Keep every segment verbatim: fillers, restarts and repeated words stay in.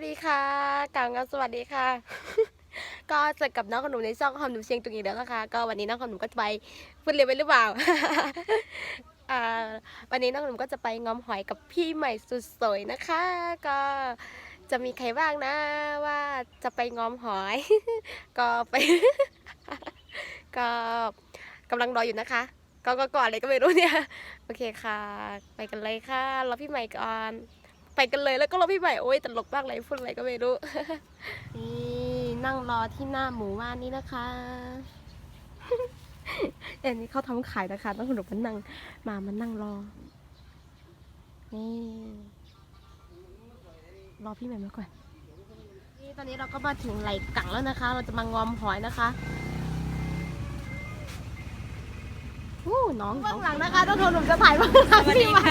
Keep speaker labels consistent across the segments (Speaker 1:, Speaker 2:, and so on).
Speaker 1: ดีค่ะกล่าวงามสวัสดีค่ะ ก็เจอกับน้องขนมในช่องขนมเชียงตุงอีกแล้วนะคะก็วันนี้น้องขนมก็จะไปพูดเร็วไปหรือเปล่า อ่าวันนี้น้องขนมก็จะไปงอมหอยกับพี่ใหม่สุดสวยนะคะ ก็จะมีใครบ้างนะว่าจะไปงอมหอย ก็ไป ก็กำลังรออยู่นะคะก็ก็ก่อนอะไรก็ไม่รู้เนี่ย โอเคค่ะ ไปกันเลยค่ะรอพี่ใหม่ก่อนไปกันเลยแล้วก็รอพี่ใหม่โอ้ยตลกมากเลยพูดอะไรก็ไม่รู้ นี่นั่งรอที่หน้าหมู่บ้านนี้นะคะ เอ็นนี้เขาทำขายนะคะต้องคุณหนูมันนั่งมามันนั่งรอนี่รอพี่ใหม่มาก่อนนี่ตอนนี้เราก็มาถึงไหล่กังแล้วนะคะ เราจะมางอมหอยนะคะอู้น้องเบื้องหลังนะคะต้องโทรหนุ่มจะถ่ายเบื้องหลังพี่มา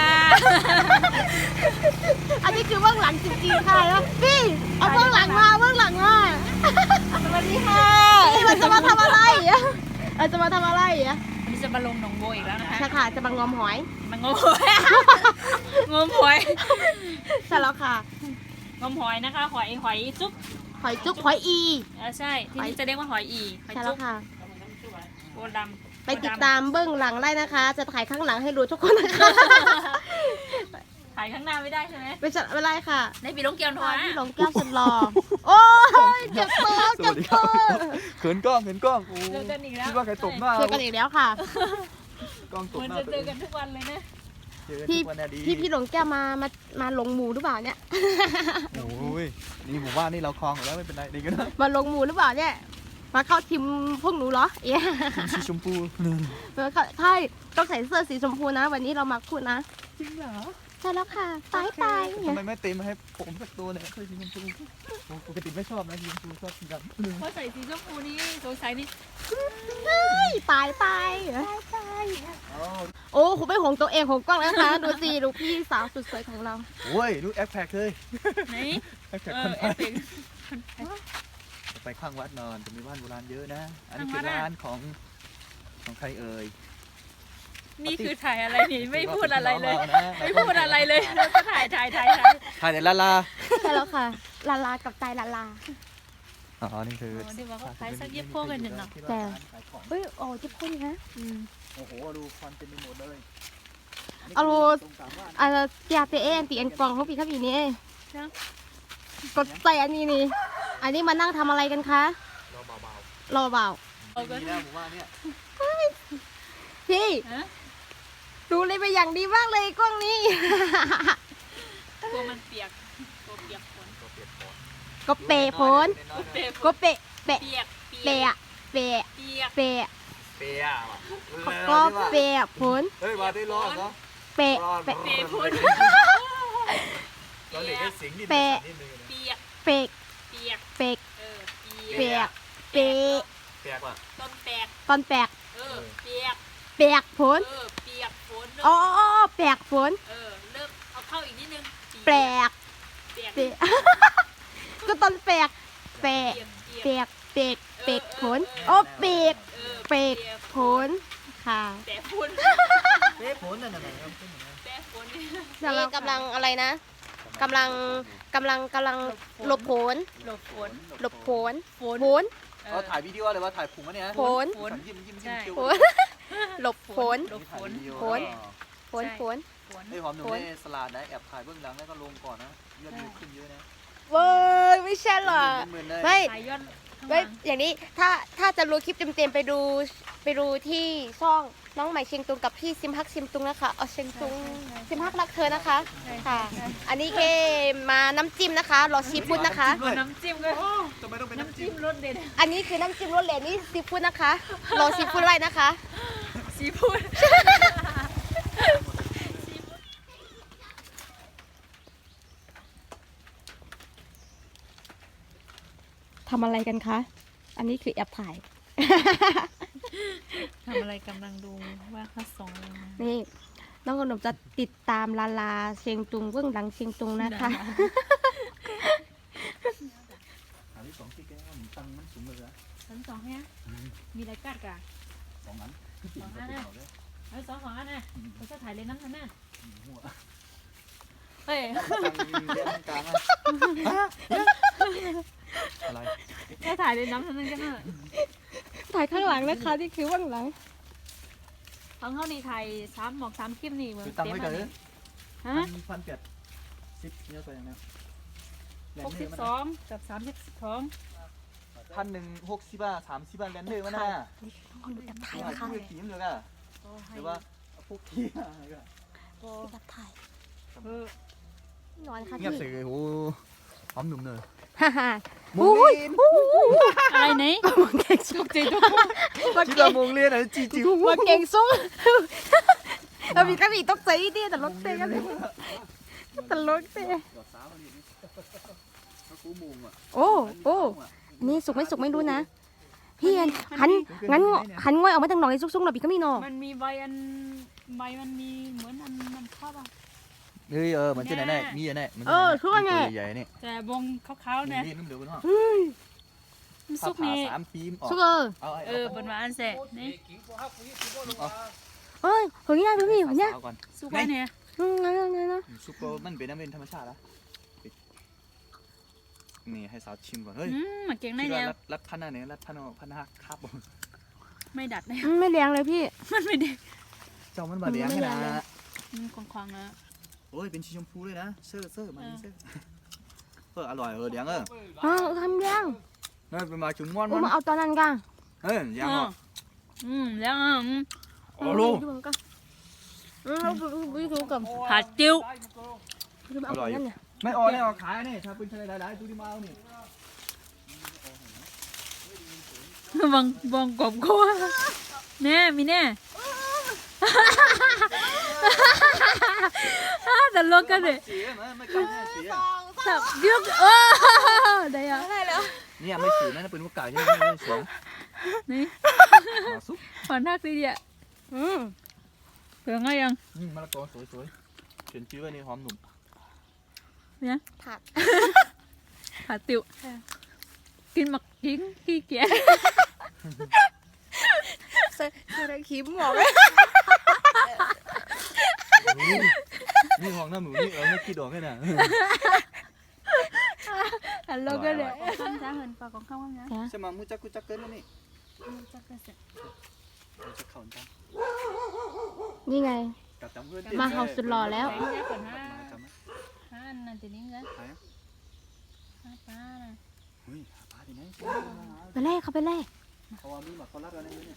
Speaker 1: อันนี้คือเบื้องหลังจริงๆค่ะแล้วพี่เอาเบื้องหลังมาเบื้องหลังมาสวัสดีค่ะเราจะมาทำอะไรเราจะมาทำอะไรอ่ะ
Speaker 2: นี่จะมาลงหนองโบอีกแล้วนะคะ
Speaker 1: ใช่ค่ะจะมางอมหอย
Speaker 2: มางมหอยงมหอย
Speaker 1: ใช่แล้วค่ะ
Speaker 2: งมหอยนะคะหอยหอยจุ๊บ
Speaker 1: หอยจุ๊บหอยอี
Speaker 2: อ่าใช่ที่นี่จะเรียกว่าหอยอีหอยจุ๊บ
Speaker 1: ค่ะ
Speaker 2: โบดำ
Speaker 1: ไปติดตามเบื้องหลังได้นะคะ จะถ่ายข้างหลังให้ดูทุกคนนะคะ
Speaker 2: ถ่ายข้างหน้าไม่ได้ใช่ไหม
Speaker 1: ไม่ใช่ไม่ได้ค่ะ
Speaker 2: ในปีลงเกียวนะ
Speaker 1: พี่หลงแก้วสุดหล่อโอ้ยเจ็บตัวเจ็บตัว
Speaker 3: เขินกล้องเขินกล้อง
Speaker 2: เจอกันอีกแล้ว
Speaker 3: คิดว่าใครตบหน้า
Speaker 1: เจอกันอีกแล้วค่ะ
Speaker 3: กล้องตบหน้า
Speaker 2: จะเจอกันทุกวันเลยนะ
Speaker 1: พี่พี่พี่หลงแก้วมามามาลงหมูหรือเปล่าเนี่ย
Speaker 3: โอ้ยนี่หมู่บ้านนี่เราคลองแล้วไม่เป็นไรดีกันนะ
Speaker 1: มาลงหมูหรือเปล่าเนี่ยมาเข้าทีมพวกหนูเหรอเอ๊ะ
Speaker 3: สีชมพู
Speaker 1: ใช่ต้องใส่เสื้อสีชมพูนะวันนี้เรามาพูดนะ
Speaker 3: จริงเหรอ
Speaker 1: ใช่แล้วค่ะตายตาย
Speaker 3: ทำไมไม่เต็มให้ผมสักตัวเนี่ยคือสีชมพูปกติไม่ชอบนะสีชมพูชอบสีดำ
Speaker 2: เพราะใส่สีชมพูนี่สงสัยนี่
Speaker 1: ตายตายตายโอ้คุณไม่หงตัวเองหงกล้องแล้วนะคะดูสิดูพี่สาวสุดสวยของเรา
Speaker 3: โอ้ยลูกแอปแพคเลย
Speaker 2: ไหน
Speaker 3: แอปแพคคนไทยไปข้างวัดนอนจะมีบ้านโบราณเยอะนะอันนี้คือร้านของของใครเอ่ย
Speaker 2: นี่คือถ่ายอะไรนี่ไม่พูดอะไรเลยไม่พูดอะไรเลยเราจะถ่ายถ่ายถ่ายถ่าย
Speaker 3: ถ่ายแต่ลาลา
Speaker 1: ใช่แล้วค่ะลาลากับใจลาลา
Speaker 3: อ๋อนี่คือ
Speaker 2: ที่ว่าเขาขายสักเย็บโพกันหนึ่งเนาะ
Speaker 1: แต่เฮ้ยโอ้เย็บโพนี่ฮะ
Speaker 3: โอ้โหดูควันเต็มไปหมดเลย
Speaker 1: เอาลูอ่าเตียเตเอ็นตีเอ็นกล่องของพี่ครับอีนี่กดใส่อันนี้นี่อันนี้มานั่งทำอะไรกันคะ
Speaker 3: รอเบา
Speaker 1: ๆรอเบา
Speaker 3: ดีแล้วผมว่าเนี่ย
Speaker 1: พี่ดูเลยไปอย่างดีมากเลยกล้องนี้
Speaker 2: ตัวมันเปียกตัวเปียกฝน
Speaker 1: ก็เปะฝนก็เปะเปะเปะเปะเปะ
Speaker 3: เปีย
Speaker 1: ก็เปะฝน
Speaker 3: เฮ้ยมาได้รอดเหรอ
Speaker 1: เปะเปะ
Speaker 2: ฝน
Speaker 3: เราเด็กได้สิงดิ
Speaker 1: เปะ
Speaker 2: เปียก
Speaker 1: เปะ
Speaker 2: เปียก
Speaker 1: เปะเปะเปะ
Speaker 3: เปียกว่ะ
Speaker 2: ต้นแปก
Speaker 1: ต้นแปก
Speaker 2: เออเปียก
Speaker 1: เปียกฝน
Speaker 2: เออเปียกฝน
Speaker 1: อ๋อเปียกฝน
Speaker 2: เออเริ่มเอาเข้าอีกนิดนึง
Speaker 1: แปลกเปียกก็ต้นแปลกแปลกเปียกเปียกเปียกฝนอ๋อเปียกเปียกฝนค่ะ
Speaker 2: แปะฝน
Speaker 3: เปียกฝนนั่นน่ะ
Speaker 2: แปะฝน
Speaker 1: นี่กำลังอะไรนะกำลังกำลังกำลังหลบฝน
Speaker 2: หลบฝน
Speaker 1: หลบฝนฝน
Speaker 3: เราถ่ายวิดีโอเลยว่าถ่ายผงวะเนี่ย
Speaker 1: ฝน
Speaker 3: ยิ้มยิ้มยิ้มคิ้ว
Speaker 1: หลบฝน
Speaker 2: หลบฝน
Speaker 1: ฝนฝนฝน
Speaker 3: ไอ้หอมหนุ่มในสลัดนะแอบถ่ายเบื้องหลังแล้วก็ลงก่อนนะยอดวิวขึ้นเยอะนะ
Speaker 1: เว้ยไม่ใช่หรอไม่ไม่อย่างนี้ถ้าถ้าจะรู้คลิปเต็มๆไปดูไปดูที่ช่องน้องใหม่เชียงตุงกับพี่ซิมฮักซิมตุงนะคะเอาเชียงตุงซิมฮักรักเธอนะคะค่ะอันนี้เคมาน้ำจิ้มนะคะรอซีฟู้ดนะคะ
Speaker 2: น้ำจิ้มก็
Speaker 3: ทำไมต้องเป็น
Speaker 2: น้ำจิ้มรสเด็ด
Speaker 1: อันนี้คือน้ำจิ้มรสเด็ดนี่ซีฟู้ดนะคะรอซีฟู้ดไรนะคะ
Speaker 2: ซีฟู้ด
Speaker 1: ทำอะไรกันคะอันนี้คือแอบถ่าย
Speaker 2: ทำอะไรกำลังดูว่าเขาส่ง
Speaker 1: นี่น้องขนมจะติดตามลาลาเชียงตุงเบื้องหลังเชียงตุงนะคะ
Speaker 3: อันที่สองที่แกตั้งมันสูงเลยนะ
Speaker 2: ชั้นสองเนี่ยมีอะไรกัดกัน
Speaker 3: สองอัน
Speaker 2: สองอันนะเออสองสองอันนะเขาจะถ่ายเลยน้ำทันน่ะ
Speaker 1: ไป
Speaker 2: เอ้ย
Speaker 3: เลี้ยงกลางอะไร
Speaker 2: แค่ถ่ายในน้ำเท่านั้นก็น่า
Speaker 1: ถ่ายข้างหลังนะคะนี่คือเบื้องหลัง
Speaker 2: ทั้งเท่านี้ถ่ายสามหมอกสามคลิปนี่เหมือน
Speaker 3: คือตังไว้กันเลย
Speaker 2: ฮะ
Speaker 3: พันเจ็ดสิบเนี่ยตัวอย่างนี้
Speaker 2: หกสิบสองกับสามสิบสอง
Speaker 3: พันหนึ่งหกสิบบาทสามสิบบาทแลนเดอร์มันน่ะ
Speaker 1: คนดูจับถ่าย
Speaker 3: นี่
Speaker 1: นะคะ
Speaker 3: คือขีมเลยอ่ะหรือว่าพวกขี้อะไรก็
Speaker 1: จับถ่าย
Speaker 2: เออ
Speaker 1: ร้อนค่ะ
Speaker 3: เงียบ
Speaker 1: พี่
Speaker 3: สิโอ้หอมหนุ่มเลย
Speaker 1: ฮ่าฮ่า
Speaker 3: มุ
Speaker 1: อุ้
Speaker 3: ง
Speaker 1: ย
Speaker 3: ลีน
Speaker 2: อะไรไหน
Speaker 1: มาเก่ง
Speaker 2: ต
Speaker 1: ซุ้ง
Speaker 2: กใจตัว
Speaker 1: มา
Speaker 3: ที่
Speaker 1: เก่
Speaker 3: เรา
Speaker 1: ง
Speaker 3: มุงลีนอ่ะจีจิ๋ว
Speaker 1: มาเก่งซุ้งเรามีกระบี่ตกใจดิแต่รถเตะกันเลยแต่รถเตะโอ้โอ้นี่สุกไม่สุกไม่รู้นะพี่อันหันงั้นหันง่อยออกมาทางหนองไอ้ซุกๆหน่อยพี่ก็มีหนอ
Speaker 2: มันมีใบอันใบมันมีเหมือนอันมันชอบอ่ะ
Speaker 3: เฮ้ยเออมันจะไหนไหนมีอะไรมันใหญ่เนี่ย
Speaker 2: แต่วงขาวๆเนี่ย
Speaker 3: นี่นุ่มเดือดเนาะ
Speaker 2: มัน
Speaker 3: สุ
Speaker 2: ซุ
Speaker 3: ก
Speaker 2: ก
Speaker 3: นี่
Speaker 2: นี่
Speaker 3: สามปีมออก
Speaker 1: ซุกเออ
Speaker 3: เอา
Speaker 2: เออบนว่าอันเสร็จนี่
Speaker 1: เอ้ยเฮ้ยง่ายพี่เฮ้ยง่าย
Speaker 3: เอาก่อน
Speaker 2: ซุกไว้เนี่ย
Speaker 1: อืมงั้นงั้นนะ
Speaker 3: ซุปเปอร์มันเป็นน้ำเป็นธรรมชาติแล้วนี่ให้สาวชิมก่อนเฮ้ย
Speaker 2: อืมมันเก่งได้
Speaker 3: คิด
Speaker 2: แล้
Speaker 3: ว่าว รัดรัดพันอะไรรัดพันพันหักครับ
Speaker 2: ไม่ดัดเลย
Speaker 1: ไม่แรงเลยพี่
Speaker 2: มันไม่ได้
Speaker 3: เจ้ามันมาเลี้ยงนะ
Speaker 2: มันคลองๆนะ
Speaker 3: โอ้ยเป็นชีชมพูเลยนะเซอร์เซอร์มาเซอร์เอออร่อยเออเลี้ยงเออ
Speaker 1: อ๋อทำยัง
Speaker 3: เฮ้ยเป็นมาจุ่มม้วน
Speaker 1: โอ้
Speaker 3: มัน
Speaker 1: มาเอาตอนนั้นกัน
Speaker 3: เฮ้ยยังเหรอ
Speaker 2: อืมแล้วอ่ะ
Speaker 3: โอ้ลูก
Speaker 1: อืมเราไปดูกับ
Speaker 2: ผัดจิ้ว
Speaker 1: คือเอาตอนนั้นเนี่ย
Speaker 3: ไม่ออกเนี่ยออกขายนี่ถ้าเป็นอะไรหลายๆดูดิมาเอานี่
Speaker 2: บังบังกบกัวแน่มีแน่แต่ลกกันเลย
Speaker 3: เสียมั้ยไม่กล้าเสีย
Speaker 2: สับยึกเออได้ยัง
Speaker 3: เนี่ยไม่สีนั่นเป็นมุกไก่ยังไม่เสีย
Speaker 2: นี่
Speaker 3: มาซุป
Speaker 2: ฝันทักสิเดีย
Speaker 1: อืม
Speaker 2: เผื่อไงยัง
Speaker 3: นี่มะละกอสวยๆเขียนชื่อไว้ในหอมหนุ่ม
Speaker 2: เนี่ย
Speaker 1: ผัด
Speaker 2: ผัดติวกินหมักกิ้งขี้เกียจ
Speaker 1: เซอร์คิมหมอก
Speaker 3: นี่ห้องน้ำหมูนี่เออไม่คิดออกแค่น่ะ
Speaker 2: อันลกกันเลยข้ามจ้าเหินปากของข้ามข้ามจ้า
Speaker 3: ใช่มามุจักกุจักเกินแล้วนี่
Speaker 2: จักเสร็จ
Speaker 3: จะเข่าจัง
Speaker 1: นี่ไง
Speaker 3: กับจำเพื่อน
Speaker 1: มาเฮาสุดหล่อแล้ว
Speaker 2: แข็งจ้าก่อนห้าห้านั่นทีนี้เลยห้าป้าน่ะ
Speaker 3: เฮ้ยปลาที่ไหน
Speaker 1: ไปแรกเขาไปแรก
Speaker 3: เขาว่ามีหมักเขารัดอะไรเนี่ย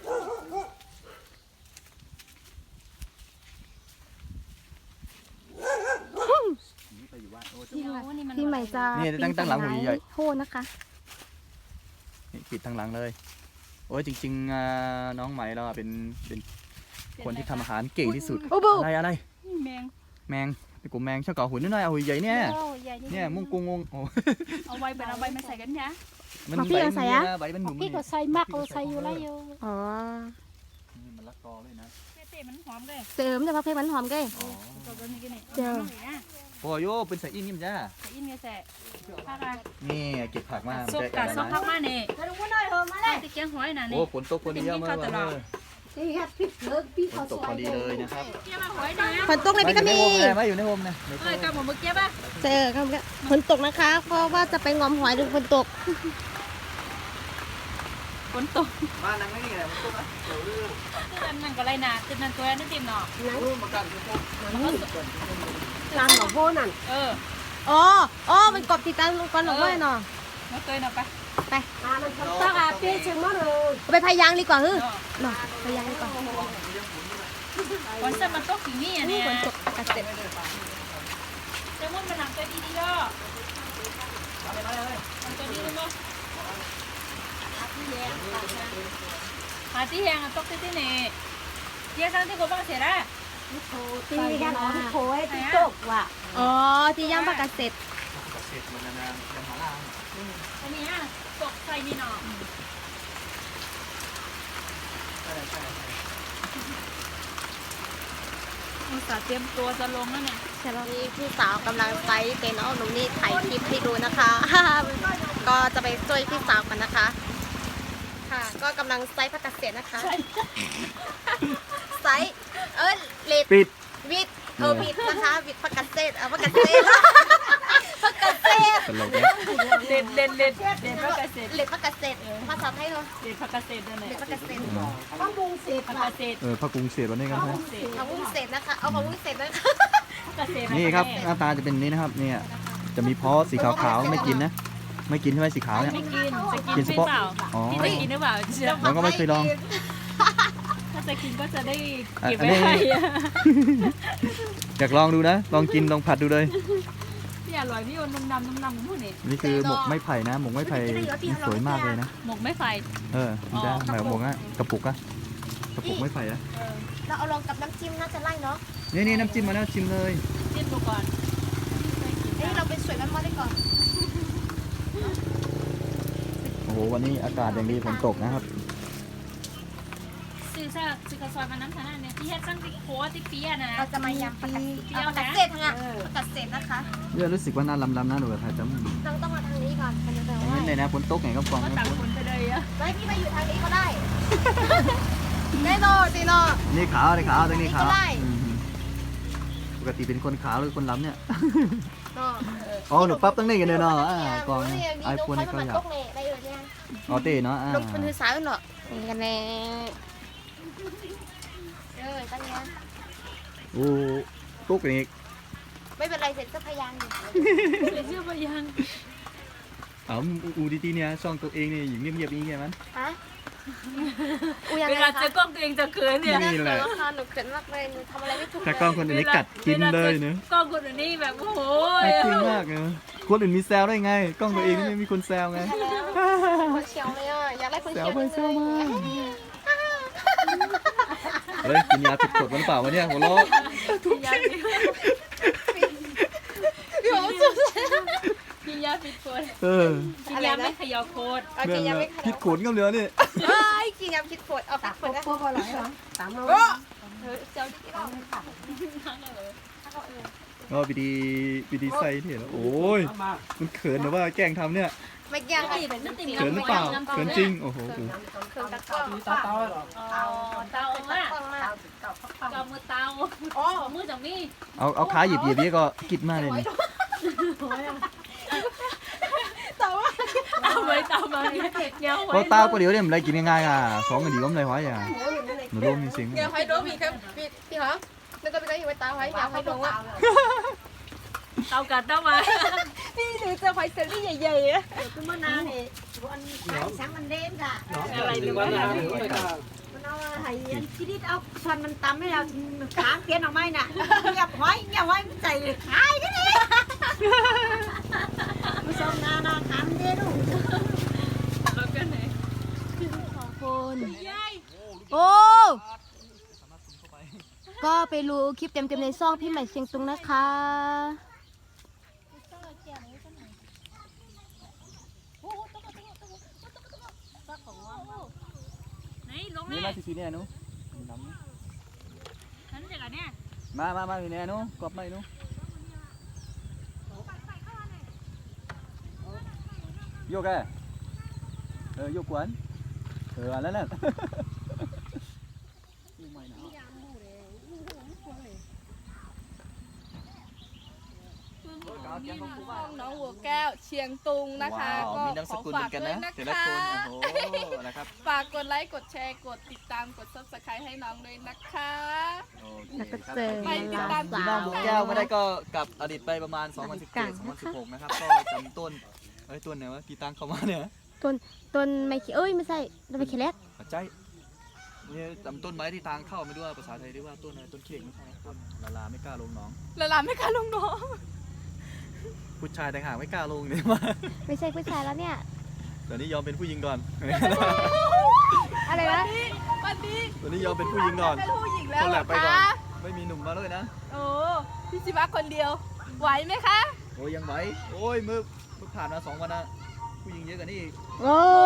Speaker 3: นี่ไปอยู่บ้านโอ้
Speaker 1: พี่ใหม่พี่ใหม่จะโทษนะคะ
Speaker 3: นี่ปิดทางหลังเลย โอ้ยจริงๆน้องใหม่เราเป็นเป็นคนที่ทำอาหารเก่งที่สุด
Speaker 1: โอ้โห
Speaker 3: อะไรอะไร
Speaker 2: แมง
Speaker 3: แมงไอ้กูแมงชอบเกาะหุ่นนิดหน่อยเอาหุ่นใหญ่เนี่ย
Speaker 2: ใหญ่
Speaker 3: เนี่ยมุ้งกุ้งงงโอ้
Speaker 2: เอาใบเป็นเอาใบมาใส่กันจ้า
Speaker 3: มันใบใบมันหนุ่ม
Speaker 4: พี่ก็ใส่มากก็ใส่อยู่แล้วอยู่
Speaker 1: อ๋อ
Speaker 3: มันละกอเลยนะ
Speaker 2: เตะมันหอมเลย
Speaker 1: เสริมแต่พักเพลงมันหอมเก้
Speaker 3: อ๋อ
Speaker 2: ตัวนี้กันนี่
Speaker 1: เจอ
Speaker 3: โอ้ยเป็นใส่อินนี่มันจ้า
Speaker 2: ใส่อินเงแสะผักอะ
Speaker 3: นี่เก็บผักมา
Speaker 2: ซุปกับซุปผักมาเนี่ยตะเกียงหอยน่ะ
Speaker 3: โอ้
Speaker 2: นี่
Speaker 3: ฝนตกพอดีเยอะมากเลย
Speaker 4: ที่ฮัดพี่เลิกพี่
Speaker 3: ฝ
Speaker 4: เขา
Speaker 3: นต
Speaker 4: ส
Speaker 3: ก
Speaker 4: ว
Speaker 3: พอย ดีเลยนะครับ
Speaker 2: เกี๊ยวมาหอยนะ
Speaker 1: ฝนตกเลยพี่ก็มี
Speaker 3: มาอยู่ในโฮมนะ
Speaker 2: เอ้ยกับหมูมึกเกี๊ยวป่ะ
Speaker 1: เจอครับฝนตกนะคะ เพราะว่าจะไปงอมหอยดูฝนตก
Speaker 2: ฝนตก
Speaker 3: บ้านนั่งไม่นี่ไงฝนตกนะ
Speaker 2: ตื่นนั่นก็ไรน่ะตื่นนั่นตัวนั่นติ่มเนาะ
Speaker 3: มากันฝนตก
Speaker 4: ร้านหลวงพ่อนั่น
Speaker 2: เออ
Speaker 1: อ๋ออ๋อมันกบติดตามลงก่อนหรอกว่าเนาะ
Speaker 2: มาเคยเนาะไป
Speaker 4: ร้านมันต้องอาพี่ชิมมาเลย
Speaker 1: ไปพายางดีกว่าเฮ้ยเนาะพายางดีกว่า
Speaker 2: วันเสาร์มันตกถึงนี่อ่ะเนี่ย
Speaker 1: ฝนตกกระเซ็ด
Speaker 2: จะมุ่งมาทำตัวดีๆก็ทำตัวดีเลยมั้งหาที่แหงตกที่ที่นี่เยี่ยสังที่กูบ้างเสียละ
Speaker 4: ตีกันอ๋อพี่โค้ยที่จบว่ะ
Speaker 1: อ๋อที่ย่างปลากระเซ็ด
Speaker 3: เสร็จมันนานๆยังหาล่าง
Speaker 2: อันนี้ตกใส่นี่เนาะ
Speaker 3: ใช่ใช่
Speaker 2: อุตส่าห์เตรียมตัวจะลงแล้วเนี่ย
Speaker 1: ใช่แล้วนี่พี่สาวกำลังไซส์เป็นน้องหนุ่มนี่ถ่ายคลิปให้ดูนะคะ ก็จะไปช่วยพี่สาวกันนะคะ ค่ะ ก็กำลังไซส์ผักกาดเสียนะคะไซส์เออเลด
Speaker 3: ปิด
Speaker 1: เวิทย์เออวิทย์นะคะวิทย์ประกาศเศษเอาประกาศเศษประกาศเศษ
Speaker 3: ตลกเนี่ย
Speaker 2: เด่นเด่นเด่นเด่นพักเกษตร
Speaker 1: เล็ดประกาศเศษภาษาไทยเหรอ
Speaker 2: เด่นพักเกษตรด้วยไหน
Speaker 1: เล็ดประกาศเศษ
Speaker 4: ข้าวบุงเสร็จ
Speaker 2: พัก
Speaker 4: ว่ะ
Speaker 2: เกษตร
Speaker 3: เออพระกรุงเศษวันนี้กันนะ
Speaker 1: เอาวุ้นเศษนะคะเอาของวุ้นเศษนะคะ
Speaker 2: พักเกษตร
Speaker 3: นี่ครับหน้าตาจะเป็นนี้นะครับเนี่ยจะมีเพาะสีขาวๆไม่กินนะ ไม่กินใช่ไหมสีขาวเนี่ย
Speaker 2: ไม่กินจะกิน
Speaker 3: กินเฉ
Speaker 2: ไม่
Speaker 3: พาะ
Speaker 2: เปล่า
Speaker 3: อ๋อ
Speaker 2: พี่จะกินหรือเปล่าเชื่อ
Speaker 3: เราก็ไม่เคยลอง
Speaker 2: ถ้าจะกินก็จะได้
Speaker 3: อ่ะ
Speaker 2: เก็บ
Speaker 3: อัน
Speaker 2: ไว้
Speaker 3: นี้
Speaker 2: ให้
Speaker 3: อยากลองดูนะ ลองกินลองผัดดูเลย
Speaker 2: พี่อร่อยพี่โอนนุ่มดำนุ่มดำพูดนี่
Speaker 3: นี่คือหมกไม้ไผ่นะ หมกไม้ไผ่นี่สวยมากเลยนะ
Speaker 2: หมกไม่ไฟ
Speaker 3: เออนี่ได้หมายหมกอะกระปุกอะกระปุกไม้ไผ่อะ
Speaker 1: เราเอาลองกับน้ำจิ้มน่าจะไล่เนาะ
Speaker 3: นี่นี่น้ำจิ้มมาแล้วชิมเลย
Speaker 2: จิ้มดูก่อน
Speaker 1: เอ้ยเราเป็นสวยมันมาได้ก่อน
Speaker 3: โอ้โหวันนี้อากาศอย่างดีฝนตกนะครับ
Speaker 2: ซื้อซะซื้อกระสอบมาน้ำขนาดเนี่ยพี่เฮ็ดตั้งติ๊กโคติ๊กเปียนะ
Speaker 1: เราจะมายำประกาศเอาประกาศเศษทั้งอ่ะประกาศเศษนะคะ
Speaker 3: เนี่ยรู้สึกว่าน่าลำลำๆนะหนูแบบถ่ายจำ
Speaker 1: ต้องต้องมาทางนี้ก่อนมันจะ
Speaker 3: อย่างนี้เลยนะฝนตกไงก็ฟอง
Speaker 2: ก็
Speaker 3: นะ
Speaker 2: ต่างคนไปเลยอะ
Speaker 1: ไม่พี่มาอยู่ทางนี้ก็ได้แน่นอนสิเนาะ
Speaker 3: นี่ขาวนี่ขาวตรงนี้ขาว
Speaker 1: ก็ได้
Speaker 3: อืมปกติเป็นคนขาวหรือคนล้ำเนี่ย
Speaker 1: เนาะ
Speaker 3: อ๋อหนูปั๊บตั้งนี่กันเลยเนาะอ่ากองไอ
Speaker 1: ไอ
Speaker 3: โฟ
Speaker 1: โฟ
Speaker 3: น
Speaker 1: น
Speaker 3: นี่
Speaker 1: ก็
Speaker 3: ก็
Speaker 1: อาย
Speaker 3: อยาก ก
Speaker 1: ได้เลยเนี่ย
Speaker 3: อ๋อเต้เนาะอ่า
Speaker 1: ลงเป็นถือสายเนาะนี่กันแน่เออตั้งเนี้ย
Speaker 3: โอ้ตุ๊กอีก
Speaker 1: ไม่เป็นไรเสร็จก็พยายามอยู่
Speaker 2: ใส่เสื้อพยัง
Speaker 3: อ๋ออูดีทีเนี่ยช่องตัวเองนี่อยู่เงียบๆอย่างเงี้ยมัน
Speaker 1: ฮะอูยัง
Speaker 2: เว
Speaker 1: ไง
Speaker 2: ลา
Speaker 1: คะ
Speaker 2: เจอกล้องตัวเองจะเขินเนี่ย
Speaker 3: นี่แหละ
Speaker 1: หนูค่ะหนูเขินมากเลยหนูทำอะไรไม่ถูก
Speaker 3: ถ้ากล้องคนอื่นนี่กัดกินเลยเนอะ
Speaker 2: กล้องคนอื่นนี่แบบโอ้โห
Speaker 3: จริงมากเนอะคนอื่นมีแซวได้ไง กล้องตัวเองนี่ไม่มีคนแซวไง
Speaker 1: คนเชียวเลยอ่ะอยากได้คน
Speaker 3: แซ
Speaker 1: เชี
Speaker 3: ว
Speaker 1: ยว
Speaker 3: ไปแซวมา
Speaker 1: เลย
Speaker 3: เฮ้ยกินยาผิดกฎมันเปล่าวะเนี่ยหัวเราะ
Speaker 1: พี่บอกสุด
Speaker 2: กินยาผิดคน
Speaker 3: เออ
Speaker 2: กินยาไม่เขย่าโคตร
Speaker 1: เอากินยาไม่ข
Speaker 3: ผิดขนก็เหลือนี่
Speaker 1: เอ้ยกินยาคิดปวดเอา
Speaker 4: ตั
Speaker 1: คิ
Speaker 4: ก
Speaker 1: ดป
Speaker 4: พ
Speaker 1: ว
Speaker 4: ว
Speaker 1: ด
Speaker 4: ก
Speaker 1: นะ
Speaker 4: พวกอร่อยเหรอสามโล
Speaker 1: เออเจ้าที่เรา
Speaker 3: ก็ปีดีปีดีใส่เถอะโอ้ยมันเขินหรือว่าแกล้งทำเนี่ย
Speaker 1: ไม่ยังค่ะ
Speaker 3: เขินหรือเปล่าเขินจริงโอ้โห
Speaker 1: เขินตะกร้อง
Speaker 2: เตาเตา
Speaker 1: ตะ
Speaker 2: อ่ะ
Speaker 1: กร้องมาก
Speaker 2: เตามือเตาอ๋อมือจังมี
Speaker 3: เอาเอาขาหยิบหยิบนี่ก็กิดมากเลยนี่
Speaker 1: แต่ว่า
Speaker 2: เอาไว้เตามาเนี่ยเงี้ยว
Speaker 3: เพราะตาก็เดี๋ยวเนี่ยมันอะไรกินง่ายๆอ่ะสองกันดีก็ไม่ไรวะอย่าหนูร่มจริง
Speaker 1: เดี๋ยวให้ดูพี่ครับพี่พี่เหรอแล้วก็ไปก็อยู่ไว้ตาไว้อยากให้ดูว่า
Speaker 2: เตากัดเตามา
Speaker 1: พี่หนูจะไฟเซอรี่ใหญ่ๆอะ
Speaker 4: คือมะนาวนี่วันขายช้างมันเด่นค่ะ
Speaker 2: อะไรหรือว่า
Speaker 4: มันเอาไห้ชีวิตเอาส่วนมันตำให้เราขางเตียนออกไม้น่ะเงียบไว้เงียบไว้ใจขายนี่นี่ผู้ชมนานาขามเด่นลูก
Speaker 2: แล้วก็ไหน
Speaker 1: คนโอ้ก็ไปรู้คลิปเต็มๆในซ่องพี่ใหม่เชียงตุงนะคะ
Speaker 2: ไหนลง
Speaker 3: นี่
Speaker 2: แม่
Speaker 3: มาสีเนี่ยนุ
Speaker 2: ฉันจะกันเนี่ย
Speaker 3: มามามาสีเนี่ยนุกรอบไม่นุโยกแกเออโยกกวนเอออันนั้นน่ะ
Speaker 5: น้องหัวแก้วเชียงตุงนะคะ
Speaker 3: ว้าว
Speaker 5: ก็
Speaker 3: มีนามส
Speaker 5: ขอ
Speaker 3: กุลเห
Speaker 5: ฝา
Speaker 3: มื
Speaker 5: ก
Speaker 3: อนกัน
Speaker 5: ด้วย
Speaker 3: นะ
Speaker 5: นะ
Speaker 3: แต่ละ
Speaker 5: คะ
Speaker 3: คนโอ้โหนะครับ
Speaker 5: ฝากกดไลค์กดแชร์กดติดตามกด ซับสไครต์ให้น้องด้วยนะคะ
Speaker 3: โอเค
Speaker 1: แล้วก็
Speaker 3: ครับ
Speaker 1: เจอ
Speaker 5: ไปติดตาม
Speaker 3: พี่น้องบุกแก้วไม่ได้ก็กลับอดีตไปประมาณ สองพันสิบเจ็ด สองพันสิบหก นะครับ ก็จำต้นเอ้ยต้นไหนวะที่ตั้งเข้ามาเนี่ย
Speaker 1: ต้นไม่เอ้ยไม่ใช่ต้นไม่เคเล็ก
Speaker 3: ปัจจัยเนี่ยจำต้นไม้ที่ทางเข้าไม่รู้ว่าภาษาไทยเรียกว่าต้นอะไรต้นเค้กไม่ใช่ต้นลาลาไม่กล้าลงหน้อง
Speaker 5: ละลาไม่กล้าลงน้อง
Speaker 3: ผู้ชายแต่างหากไม่กล้าลงเนี่ยมา
Speaker 1: ไม่ใช่ผู้ชายแล้วเนี่ย
Speaker 3: เดี๋ยวนี้ยอมเป็นผู้หญิงก่อน
Speaker 1: อะไรนะ
Speaker 5: วันนี้
Speaker 3: เดี๋ยวนี้ยอมเป็นผู้หญิงก่อน
Speaker 5: เป็นผู้หญิงแล้ว
Speaker 3: คน
Speaker 5: เห
Speaker 3: แห
Speaker 5: ร
Speaker 3: ล
Speaker 5: อก
Speaker 3: ไปก่อน
Speaker 5: คะ
Speaker 3: ไม่มีหนุ่มมาเลยนะ
Speaker 5: โอ้พี่ชิวะคนเดียว ไหวไหมคะ
Speaker 3: โอ้ยยังไหวโอ้ยมือมือผ่านมาสองวันนะผู้หญิงเยอะกว่านี้อีก
Speaker 1: โอ้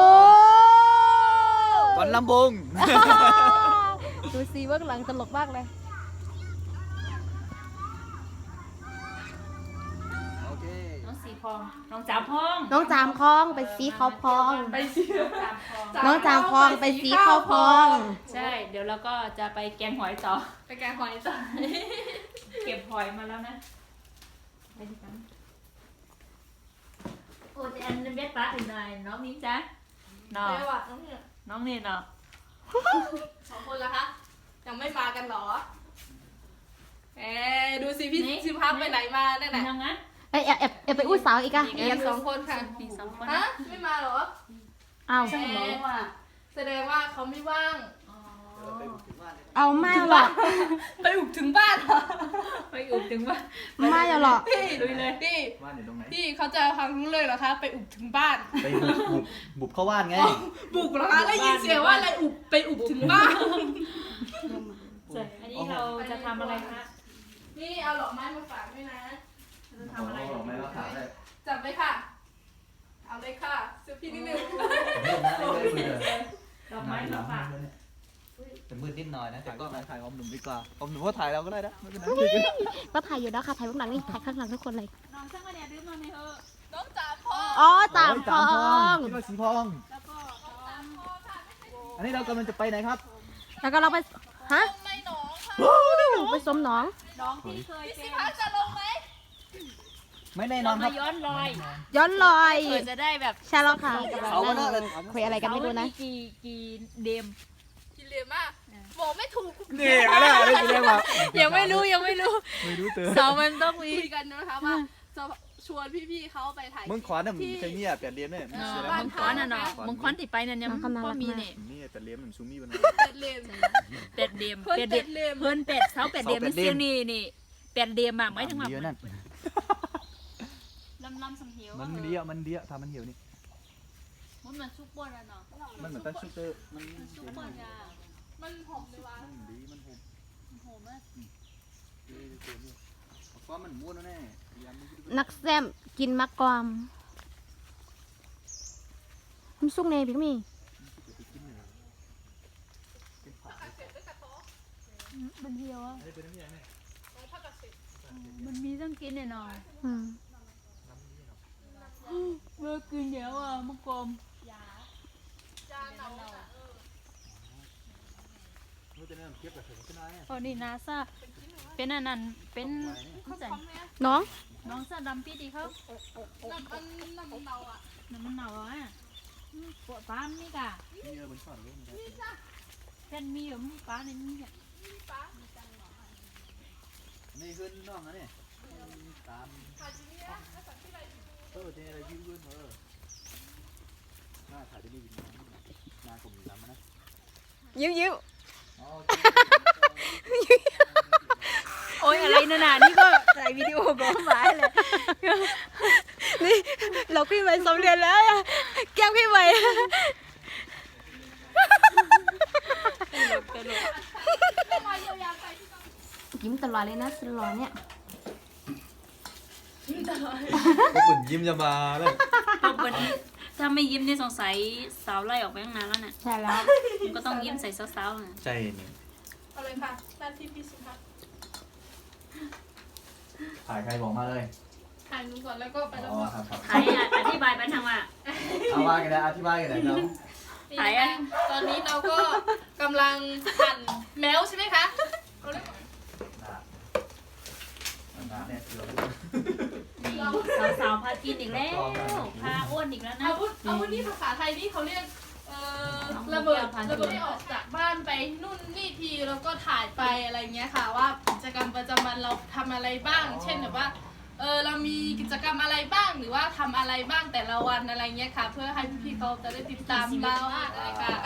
Speaker 3: วันลำบง
Speaker 1: ดูซีเบื้องหลังตลกมากเลย
Speaker 3: โอเค
Speaker 2: น้องสีพองน้องจามพอง
Speaker 1: น้องจามคลองไปสีเขาพอง
Speaker 5: ไปสิ
Speaker 2: จามพอง
Speaker 1: น้องจามคลองไปสีเขาพอง
Speaker 2: ใช่ เดี๋ยวเราก็จะไปแกงหอยต่อ
Speaker 5: ไปแกงหอยต่อ
Speaker 2: เก็บหอยมาแล้วนะไปที่กันโอ้แต่อันนั้นเบ็ดปลาถึงไหนน้องนิ้งจ๊ะน้อง
Speaker 5: เดี๋ยวอ่ะน้องเนี่ย
Speaker 2: น้องนี่เนาะ
Speaker 5: สองคนละคะยังไม่มากันเหรอเอ๊ดูสิพี่ซิพับไปไหนมาได้ไหน
Speaker 2: ยังไง
Speaker 1: เอ้ยแอบแอบแอบไปอุ้ยสาวอีกอะ
Speaker 5: มีกันสองคนค่ะ
Speaker 2: มีสองคน
Speaker 5: ฮะไม่มาเหรอ
Speaker 1: เอา
Speaker 5: แหมแสดงว่าเขาไม่ว่าง
Speaker 1: เอาไม่หรอก
Speaker 5: ไปอุกถึงบ้านเหรอ
Speaker 2: ไปอุบถึงว่า
Speaker 1: ไม่หรอก
Speaker 5: พี่ลุยเลยพี่
Speaker 3: ว่านอยู่ตรงไหน
Speaker 5: พี่เขาจะฟังรู้เลยเหรอคะ ไปอุกถึงบ้าน
Speaker 3: ไปบุบบุบบุบเข้าว่านไง
Speaker 5: บุกเหรอคะได้ยินเสียงว่าอะไรอุกไปอุกถึงบ้าน
Speaker 2: อันนี้เราจะทำอะไรคะ
Speaker 5: นี่เอาดอกไม้มาฝากด้วยนะ
Speaker 2: จะทำอะไร
Speaker 3: ไม่ว่าขาดเลย
Speaker 5: จับเลยค่ะ เอาเลยค่ะเสื้อพี่นิดนึง
Speaker 3: เล่นนะเล่นเลย
Speaker 2: ดอกไม้มาฝาก
Speaker 3: แต่มืดนิดหน่อยนะแต่ก็ถ่ายอมหนุ่มดีกว่าอมหนุ่มก็ถ่ายเราก็ได้นะไม่เป็นไร
Speaker 1: ก็ถ่ายอยู่แล้วค่ะถ่ายเบื้องหลังนี่ถ่ายข้างหลังทุกคนเลย
Speaker 2: น้องช่างมาเนี่ยดื้อมาในเถอะ
Speaker 5: น้องจ๋าพ่อ
Speaker 1: อ๋อจามคลอง
Speaker 3: คิดว่าสีพอง
Speaker 2: แล้วก็น้อง
Speaker 3: อันนี้เรากำลังจะไปไหนครับ
Speaker 1: แล้วก็เราไปฮะ
Speaker 5: ไม่หนองค่ะ
Speaker 1: ไปสมหนอง
Speaker 2: น้องที่เคยเป็น
Speaker 5: พักจะลงไหม
Speaker 3: ไม่แน่นอ
Speaker 2: เรา
Speaker 3: นค
Speaker 2: มา
Speaker 3: รับ
Speaker 2: ย้อนรอย
Speaker 1: ย้อนรอย
Speaker 2: เผื่อจะได้แบบ
Speaker 1: ใช่แล้วค่ะ
Speaker 3: เอาวะเนอะ
Speaker 1: คุยอะไรกันไม่รู้นะ
Speaker 2: เสาร์กี่กี่เดม
Speaker 5: กินเหลียมากบอกไม่ถูก
Speaker 3: นี่อะไรอะไรกูเรียกว่า
Speaker 2: ยังไม่รู้ยังไม่รู้
Speaker 3: ไม่รู้เตอ
Speaker 2: เสาร์มันต้องมี
Speaker 5: คุยกันนะคะว่าจะชวนพี่ๆเขาไปถ่าย
Speaker 3: มึงขวานน่ะมึงใช้เนี่ยแปดเหลี่ยมเนี่ย
Speaker 2: เอ
Speaker 3: เสี
Speaker 2: อย
Speaker 3: แล้ว
Speaker 2: มั
Speaker 3: มึ
Speaker 2: ง
Speaker 3: ง
Speaker 2: คอนอ่ะเนาะมังคอนติดไปนั่นยัง
Speaker 1: น้องเขาน่ารัก
Speaker 2: ก็มีเนี่ย
Speaker 3: นี่แปดเหลี่ยมเหมือนซูมี่มัน
Speaker 5: เป็ดเหลียม
Speaker 2: เป็ดเดม
Speaker 5: เพิ่น
Speaker 2: เป็ด
Speaker 5: เป็ด
Speaker 2: เด
Speaker 5: เหลีย
Speaker 2: ม
Speaker 5: ม
Speaker 2: เพิ่นเป็ดเสาเป็ดเดม
Speaker 3: เสาเป็
Speaker 2: นี่
Speaker 3: ดเดม
Speaker 2: เสียงนี่นี่เป็ดเดมอะหมายถึงว่า
Speaker 3: เดียวนั่น
Speaker 2: ลำลำสังเหียว
Speaker 3: มันเดียวมันเดียวทำมันเหี่ยวนี่
Speaker 2: มันมันซุปเปอร์อะเนาะ
Speaker 3: มันเหมือนตั้งชุดเตอร์มัน
Speaker 2: ซุปเปอร์ยา
Speaker 5: มันหอมเลยวะ
Speaker 3: มันดีมันหอม
Speaker 2: โหมาก
Speaker 3: ดีดีดีเพราะมันม้วนแน่ยำมัน
Speaker 1: นักแซมกินมักกอมมันสุกเนพี่ก็มี
Speaker 2: มันเหี่ยวอะ
Speaker 3: อะไรเป็นนี่ไง
Speaker 2: มันมีต้องกินเนี่ยเนาะ
Speaker 1: อืม
Speaker 2: เมื่อกินเดี๋ยวอ่ะมังกรม
Speaker 5: จานเอาอะ
Speaker 3: นู้นจะเนี่ยเก็บแบบถึงขึ้นได้
Speaker 2: อ๋อนี่นาซาเป็นอันนั้นเป็นเข้าใจ
Speaker 1: น้อง
Speaker 2: น้องซาดำปีดีเขา
Speaker 5: น้ำมันน้ำมันเนาอะ
Speaker 2: น้ำมันหนาวอ่ะอืมปวดฟ้ามนี่กะ
Speaker 3: นี่เออบนฝั่งนู้น
Speaker 2: แผ่นมีอยู่มีฟ้าในนี้อ่ะ
Speaker 3: นี่ขึ้นน้องนะเนี่ยตามเออเนี่ยอะไรยืดยืดเออหน้าถ่ายได้ดีหน้ากลมดำนะ
Speaker 1: ยิ้วยิ้ว
Speaker 3: อ๋อ
Speaker 2: โอ้ยอะไรนั่นน่ะนี่ก็ใส่วิดีโอก็หมายเลย
Speaker 1: นี่เราพี่ใหม่สำเร็จแล้วอะแก้มพี่ใหม่
Speaker 2: ตลกตลก
Speaker 1: ยิ้มตลอดเลยนะสลอเนี่ย
Speaker 3: ก็ปุ่นยิ้มจะมาเลย
Speaker 2: ปกติถ้าไม่ยิ้มนี่สงสัยสาวไล่ออกไปตั้งนานแล้วน่ะ
Speaker 1: ใช่แล้ว
Speaker 2: มันก็ต้องยิ้มใส่สาวๆน่ะ
Speaker 3: ใช่นี่
Speaker 5: เอาเลยค่ะหน้าที่พี่สุภาพ
Speaker 3: ถ่ายใครบอกมาเลย
Speaker 5: ถ่ายหนูก่อนแล้วก็ไปแล้ว
Speaker 3: อ๋อ
Speaker 5: ก็
Speaker 3: ครับครับ
Speaker 2: ถ่ายอ่ะอธิบายไปทางว่า
Speaker 3: เอาว่ากันนะอธิบายกันนะน้อง
Speaker 5: นี่นะคะตอนนี้เราก็กำลังหั่นแมวใช่ไหมคะเอาเลย
Speaker 3: น้าเนี่ยคือ
Speaker 2: นี่สาวๆพากินอีกแล้วพาอ้วนอีกแล้วนะ
Speaker 5: อาวุธอาวุธนี่ภาษาไทยนี่เขาเรียกเอ่อระเบิดระเบิดที่ออกจากบ้านไปนู่นนี่ทีแล้วก็ถ่ายไปอะไรเงี้ยค่ะว่ากิจกรรมประจำวันเราทำอะไรบ้าง เช่นแบบว่าเออเรามีกิจกรรมอะไรบ้างหรือว่าทำอะไรบ้างแต่ละวันอะไรเงี้ยค่ะ เพื่อให้พี่ๆเขาจะได้ติดตามเราอะไรค่ะ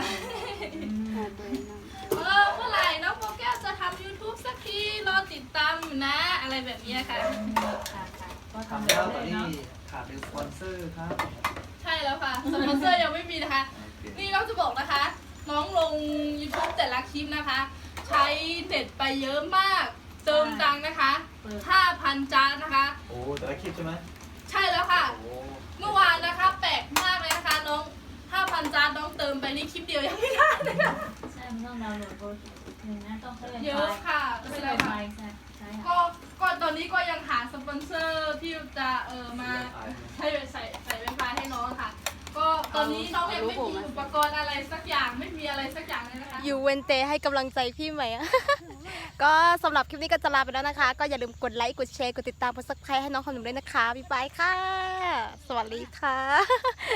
Speaker 5: เออเมื่อไหร่น้องโปแก้วจะทำ YouTube สักทีรอติดตามอยู่นะอะไรแบบเนี้ยค่ะ
Speaker 2: ก็
Speaker 3: ทำ
Speaker 2: ทำ
Speaker 3: แล้ว
Speaker 2: เล
Speaker 3: ตอน
Speaker 2: ย
Speaker 3: นี้
Speaker 2: เนาะ
Speaker 3: ขาดเป็นสปอนเซอร์ครับ
Speaker 5: ใช่แล้วค่ะสปอนเซอร์ยังไม่มีนะคะ นี่เราจะบอกนะคะ น้องลง YouTube แต่ละคลิปนะคะ ใช้เน็ตไปเยอะมาก เติมตังค์นะคะ ห้าพัน จานนะคะ
Speaker 3: โอ้แต่ละคลิปใช่ไหม
Speaker 5: ใช่แล้วค่ะ
Speaker 3: โอ้
Speaker 5: เมื่อวานนะคะ แปลกมากเลยนะคะ น้อง ห้าพัน จานน้องเติมไปนี่คลิปเดียวยังไม่ได้เลยค่ะ
Speaker 2: ใช่มันต้องดาวน์โหลดโปรหนึ่งนะต้องเพิ่ม
Speaker 5: เยอะค่ะ
Speaker 2: ก็
Speaker 5: ไม่
Speaker 2: ไม่
Speaker 5: เป็น
Speaker 2: เป็
Speaker 5: ไร
Speaker 2: นไร
Speaker 5: ค่ะ
Speaker 2: ใช่
Speaker 5: ก็ก็ตอนนี้ก็ยังหาสปอนเซอร์ที่จะเออมาให้ใส่ใส่ไวไฟให้น้องค่ะ ก็ตอนนี้น้องยังไม่มีอุปกรณ์อะไรสักอย่างไม่มีอะไรสักอย่างเลยนะคะ
Speaker 1: อยู่เวนเตให้กำลังใจพี่ไหมอะ ก็สำหรับคลิปนี้ก็จะลาไปแล้วนะคะ ก็อย่าลืมกดไลค์ กดแชร์ กดติดตามกดซับสไครต์ให้น้องขนมด้วยนะคะ บ๊ายบายค่ะ สวัสดีค่ะ